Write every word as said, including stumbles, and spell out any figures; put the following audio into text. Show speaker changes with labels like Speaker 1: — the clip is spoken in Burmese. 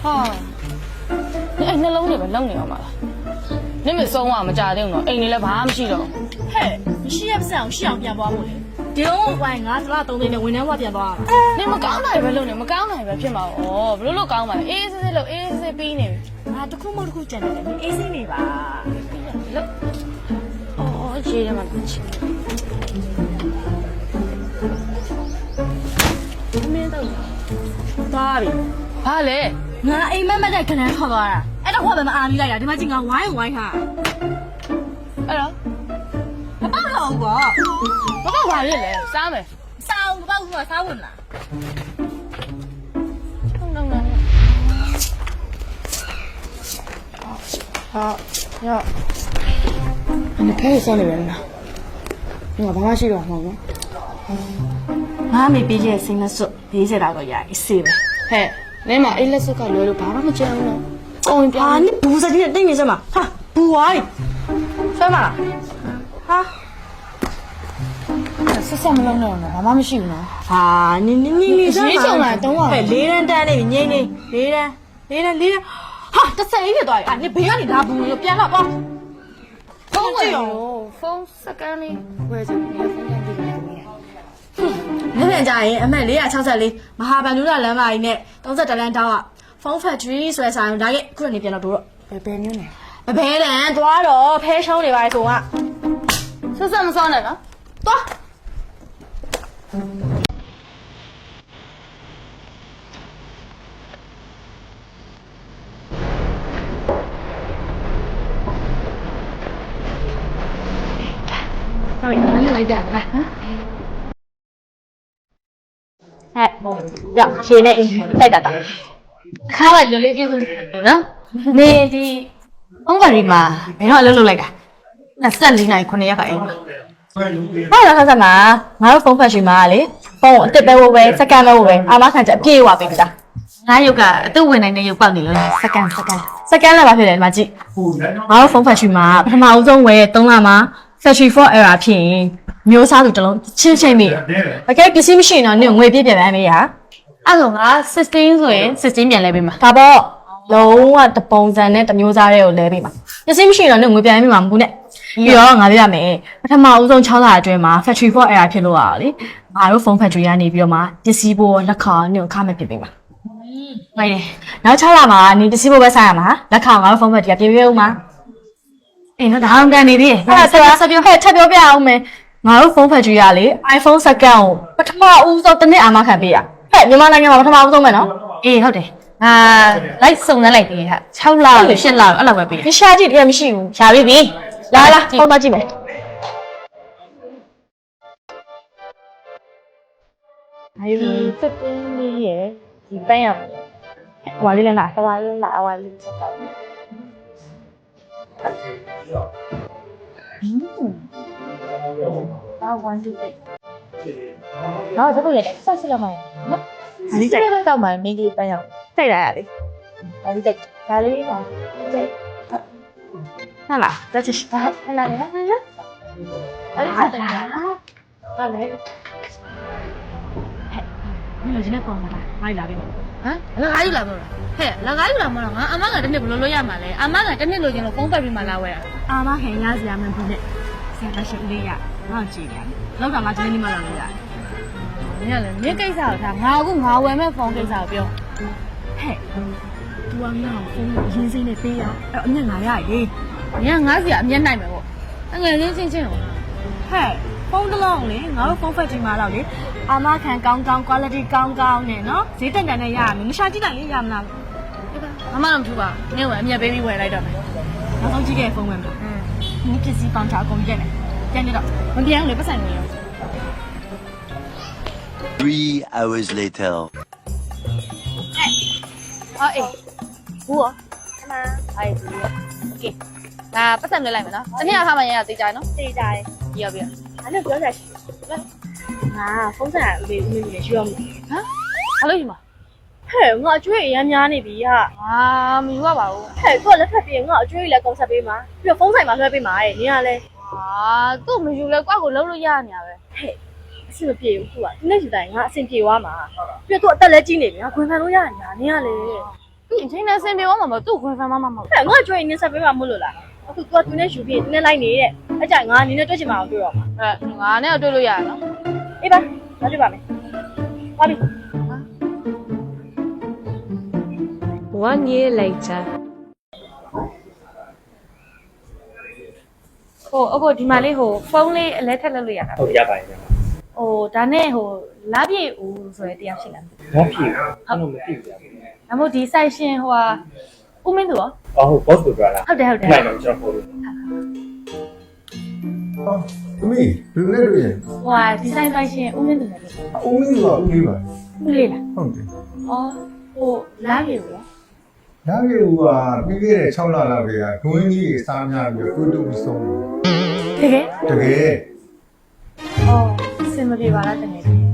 Speaker 1: 哈，你哎，那冷的呗，冷的嘛。你们送我们家庭了，哎，你来爬不起了。
Speaker 2: 嘿，你是也不是我是要变包我嘞？丢喂，我是那东西的，为什么变包？
Speaker 1: 你们刚来呗，冷的，们刚来呗，偏嘛哦，不是老刚嘛，哎，是是老，哎是是比呢。
Speaker 2: 啊，都可没都可真的，你 A C 你吧？
Speaker 1: 冷。哦，接着嘛，接。
Speaker 2: 没到。咋的？
Speaker 1: 怕嘞。
Speaker 2: 我哎慢慢在跟人好吧？哎，那我们阿米来呀，他妈经常玩一玩哈。
Speaker 1: 哎呀，
Speaker 2: 我包了我。
Speaker 1: 我刚玩的嘞，啥没？
Speaker 2: 啥？我包我啥问了？
Speaker 1: 冷冷冷。好，要。你可以送你人了。我爸妈去了，好吗？
Speaker 2: 我没毕业生的时候，毕业那个也是呗。
Speaker 1: 嘿。你嘛，一来是搞聊聊，爸爸们讲了，讲一遍。
Speaker 2: 啊，你不是今天等于什么？哈，不爱，什么？哈？
Speaker 1: 是什么冷冷的？爸爸们喜欢吗？
Speaker 2: 啊，你你你你什么？
Speaker 1: 你上来等我。
Speaker 2: 哎，离人单的，你你离人离人离人，哈，这谁的多呀？你不要你拿不用变了吧？
Speaker 1: 风味哟，风是干的，我就你风干的干的。
Speaker 2: 你别讲耶，俺们离啊，超市里，马哈班路那人嘛，呢，当时这人打啊，方法主义说啥，大概可能你变了多了。
Speaker 1: 白白牛呢？
Speaker 2: 白白人多了，配上的外送啊，
Speaker 1: 是什么烧的呢？
Speaker 2: 多。
Speaker 1: 哪里哪里来的？来啊！
Speaker 2: 哎，要现在再打打。
Speaker 1: 看了就来就是呢。
Speaker 2: 你的
Speaker 1: 我问你嘛，没有录来个，那三零来可能也可以。
Speaker 2: 我要看什么？我要方法去嘛哩，帮我这边我喂，这干了我喂，阿妈看着别话别的。
Speaker 1: 哪有个都为难你有帮你了，实干实干。
Speaker 2: 这干了吧，别的嘛子。我要方法去嘛，他妈我总喂懂了吗？再去放二啊片。မျိုးစားသူတလုံးချင်းချင်းမိ။အကဲပစ္စည်းမရှိရင်တော့နင်ငွေပြည့်ပြည့်ပဲမေးရ။
Speaker 1: အဲ့တော့ငါ16ဆိုရင်16ပြန်လဲပေးမှာ
Speaker 2: ဒါပေါ့လုံးဝတပုံစံနဲ့တမျိုးစားတွေကိုလဲပေးမှာ။ပစ္စည်းမရှိရင်တော့နင်ငွေပြန်ပေးမှာမဟုတ်နဲ့။ပြီးတော့ငါပြရမယ်။ပထမအဦးဆုံး6လအတွင်းမှာ factory for error ဖြစ်လို့ရအောင်လေ။ငါတို့ phone factory ကနေပြီးတော့မှပစ္စည်းပို့လက်ခံနင်ခါမဲ့ပြင်ပေးမှာ။ဟုတ်တယ်။နောက်6လမှာနင်ပစ္စည်းပို့ပဲဆိုင်ရမှာ။လက်ခံငါတို့ phone factory ကပြင်ပေးဦးမှာ။အေးနော်ဒါအောင်ကန်နေသေးတယ်။အဲ့ဒါဆက်ပြောဟဲ့ထပ်ပြောပြအောင်မယ်။ငါတို့ phone factory ကလေ iPhone စကန်ကိုပထမဦးဆုံးတစ်နှစ်အာမခံပေးရဟဲ့မြန်မာနိုင်ငံမှာပထမဦးဆုံးပဲနော်
Speaker 1: အေးဟုတ်တယ်ငါလိုက်စုံစမ်းလိုက်သေးဟာ6လလို့8လအဲ့လောက်ပဲပေးရ
Speaker 2: မရှာကြည့်တကယ်မရှိဘူးရှာပြီပြီလာလာဖုန်းမကြည့်မယ်
Speaker 1: 哎呦，这边你也几班呀？我这里哪？我这里哪？我这里。嗯。啊，我这里。然后这个也三十了嘛？哪里在？到嘛没给班呀？在哪里？哪里在？哪里嘛？在。那啦，这就是哪哪里？哪里？哪里在？哪里？你有今天放吗？哪里来的？啊？哪里来的？嘿，哪里来嘛？俺阿妈个真的不落落呀嘛嘞？阿妈个真的落进了风发比嘛拉喂啊？
Speaker 2: 阿妈看伢子也蛮不的，现在是累呀，哪几年？老干嘛今天你妈来了？
Speaker 1: 你看嘞，你介绍他，我个我外面放介绍表。
Speaker 2: 嘿，我俺风人生的悲呀，哎，你哪里来的？
Speaker 1: 你看我是也免来没我，那个人生真哦。
Speaker 2: 嘿。phong得浪哩，我phong phải chỉ mà lao哩. 阿媽看剛剛 quality 剛剛呢，喏，誰等等的呀？你下幾單也呀嘛？
Speaker 1: 阿媽諗住吧，你外面 baby 回來的沒？
Speaker 2: 我手機嘅風ဝင်嘛。嗯。你這是幫查工嘅呢？聽得到？
Speaker 1: 我點你不想你哦。
Speaker 3: Three hours later.
Speaker 1: 哎，啊哎，我，阿媽，哎，OK，那不想你來沒呢？今天他們也要自己喏。
Speaker 2: 自己在。
Speaker 1: 要不要？
Speaker 2: 反正不要再去。啊，風扇你你你需要嗎？
Speaker 1: 啊？好累嗎？
Speaker 2: 嘿，我中意飲飲呢邊啊。
Speaker 1: 啊，唔話吧？
Speaker 2: 嘿，嗰日特別我中意嚟講十邊嘛，邊個風扇嘛佢邊買？你啊咧？
Speaker 1: 啊，都唔要嚟掛個樓都呀你啊呗。
Speaker 2: 嘿，是不ပြေဘူး啊？你那時代我先ပြေ話嘛，邊個得嚟經理啊，佢買到呀你啊，你啊咧？
Speaker 1: ဒီအချိန်နဲ့ဆင်ပြေသွားမှာမသူ့ခွင့်ဖမ်းမမမဟုတ်
Speaker 2: ဟဲ့ငါကြွေးနေဆက်ပေးမှာမလို့လားအခု तू ကသူနဲ့ယူပြီးသူနဲ့လိုက်နေတဲ့အကြိုင်ငါနင်းနဲ့တွေ့ချင်မှာအောင်တွေ့တော့မှာ
Speaker 1: အဲငါနဲ့တွေ့လို့ရရနော်
Speaker 2: အေးပါငါတွေ့ပါမယ်ပါပြီ
Speaker 4: One year later.
Speaker 2: ဟိုအခုဒီမှာလေးဟိုဖုန်းလေးအလဲထက်လုပ်လို့ရတာ
Speaker 5: ဟုတ်ရပါတယ်ဗျာ
Speaker 2: ဟိုဒါနဲ့ဟိုလာပြည့်ဦးဆိုရဲတရားရှိလား
Speaker 5: ။ဘာဖြစ်လဲ။အဲ့လိုမသိဘူးဗျာ
Speaker 2: ဒါမို့ဒီ site ရှင်ဟိုဟာဦးမင်းသူရော
Speaker 5: ။အော်ဟုတ် boss ကိုပြောတာ
Speaker 2: ဟုတ်တယ်ဟုတ်တယ်
Speaker 5: ။နိုင်တော့ကျွန်တော်ပို့လို့
Speaker 6: သမီးဘယ်နဲ့တွေ့ရင်
Speaker 2: ဟိုဟာဒီ site site ရှင်ဦးမင်းသူလည်းလို့
Speaker 6: အုံးလေးကဦးလေးပါ
Speaker 2: ဦးလေးလား
Speaker 6: ဟုတ်တယ်
Speaker 2: အော်ဟိုလာပြည့်ဦးရော
Speaker 6: ဒါပေမဲ့ကပြီးခဲ့တဲ့6လလောက်ကဒွင်းကြီးစားများပြီးတော့တူတူဆုံး
Speaker 2: တကယ်
Speaker 6: တကယ်
Speaker 2: အော်စင်မပြေပါလားတကယ်